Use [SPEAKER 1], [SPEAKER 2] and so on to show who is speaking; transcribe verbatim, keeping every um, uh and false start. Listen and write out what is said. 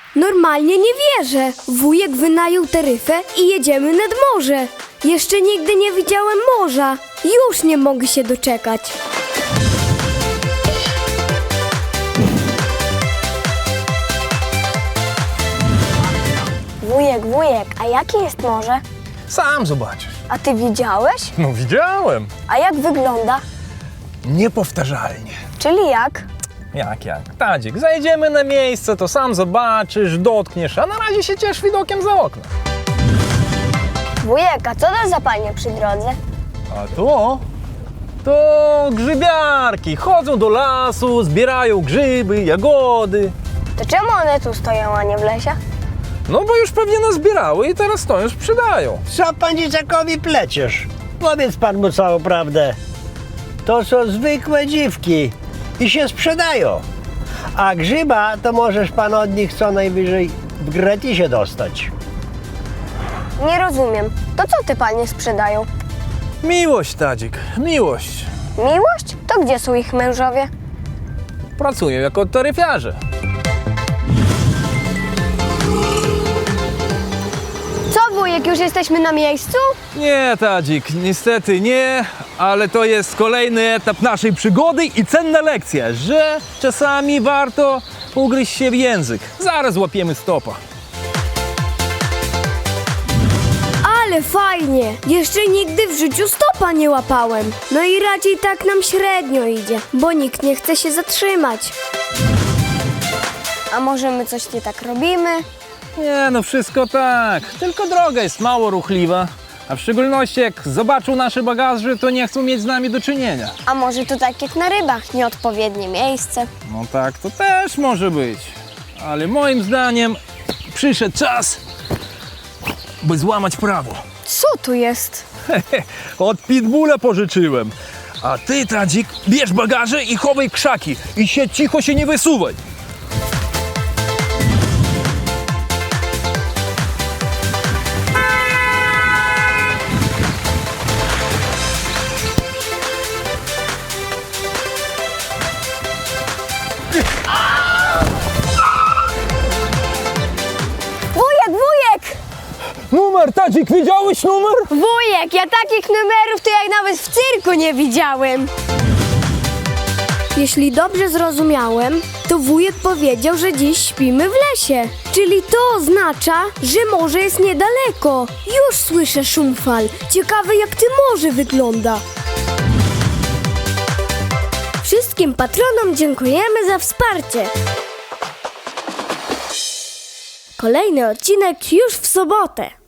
[SPEAKER 1] Normalnie nie wierzę. Wujek wynajął taryfę i jedziemy nad morze. Jeszcze nigdy nie widziałem morza. Już nie mogę się doczekać.
[SPEAKER 2] Wujek, wujek, a jakie jest morze?
[SPEAKER 3] Sam zobaczysz.
[SPEAKER 2] A ty widziałeś?
[SPEAKER 3] No widziałem.
[SPEAKER 2] A jak wygląda?
[SPEAKER 3] Niepowtarzalnie.
[SPEAKER 2] Czyli jak?
[SPEAKER 3] Jak, jak? Tadzik, zajdziemy na miejsce, to sam zobaczysz, dotkniesz, a na razie się ciesz widokiem za okno.
[SPEAKER 2] Wujek, a co to za panie przy drodze?
[SPEAKER 3] A to? To grzybiarki. Chodzą do lasu, zbierają grzyby, jagody.
[SPEAKER 2] To czemu one tu stoją, a nie w lesie?
[SPEAKER 3] No bo już pewnie nazbierały i teraz stoją, sprzedają.
[SPEAKER 4] Co pan dzieciakowi pleciesz? Powiedz pan mu całą prawdę. To są zwykłe dziwki i się sprzedają. A grzyba to możesz pan od nich co najwyżej w gratisie dostać.
[SPEAKER 2] Nie rozumiem. To co te panie sprzedają?
[SPEAKER 3] Miłość, Tadzik, miłość.
[SPEAKER 2] Miłość? To gdzie są ich mężowie?
[SPEAKER 3] Pracują jako taryfiarze.
[SPEAKER 1] Co, wujek, już jesteśmy na miejscu?
[SPEAKER 3] Nie, Tadzik, niestety nie, ale to jest kolejny etap naszej przygody i cenna lekcja, że czasami warto ugryźć się w język. Zaraz łapiemy stopa.
[SPEAKER 1] Ale fajnie. Jeszcze nigdy w życiu stopa nie łapałem. No i raczej tak nam średnio idzie, bo nikt nie chce się zatrzymać.
[SPEAKER 2] A może my coś nie tak robimy?
[SPEAKER 3] Nie, no wszystko tak, tylko droga jest mało ruchliwa, a w szczególności jak zobaczą nasze bagaże, to nie chcą mieć z nami do czynienia.
[SPEAKER 2] A może to tak jak na rybach, nieodpowiednie miejsce?
[SPEAKER 3] No tak, to też może być, ale moim zdaniem przyszedł czas, by złamać prawo.
[SPEAKER 2] Co tu jest?
[SPEAKER 3] Od Pitbulla pożyczyłem. A ty, Tadzik, bierz bagaże i chowaj krzaki i się cicho się nie wysuwaj.
[SPEAKER 2] Wujek, wujek!
[SPEAKER 3] Numer, Tadzik, widziałeś numer?
[SPEAKER 1] Wujek, ja takich numerów to jak nawet w cyrku nie widziałem. Jeśli dobrze zrozumiałem, to wujek powiedział, że dziś śpimy w lesie. Czyli to oznacza, że morze jest niedaleko. Już słyszę szum fal. Ciekawe, jak to morze wygląda. Wszystkim patronom dziękujemy za wsparcie. Kolejny odcinek już w sobotę.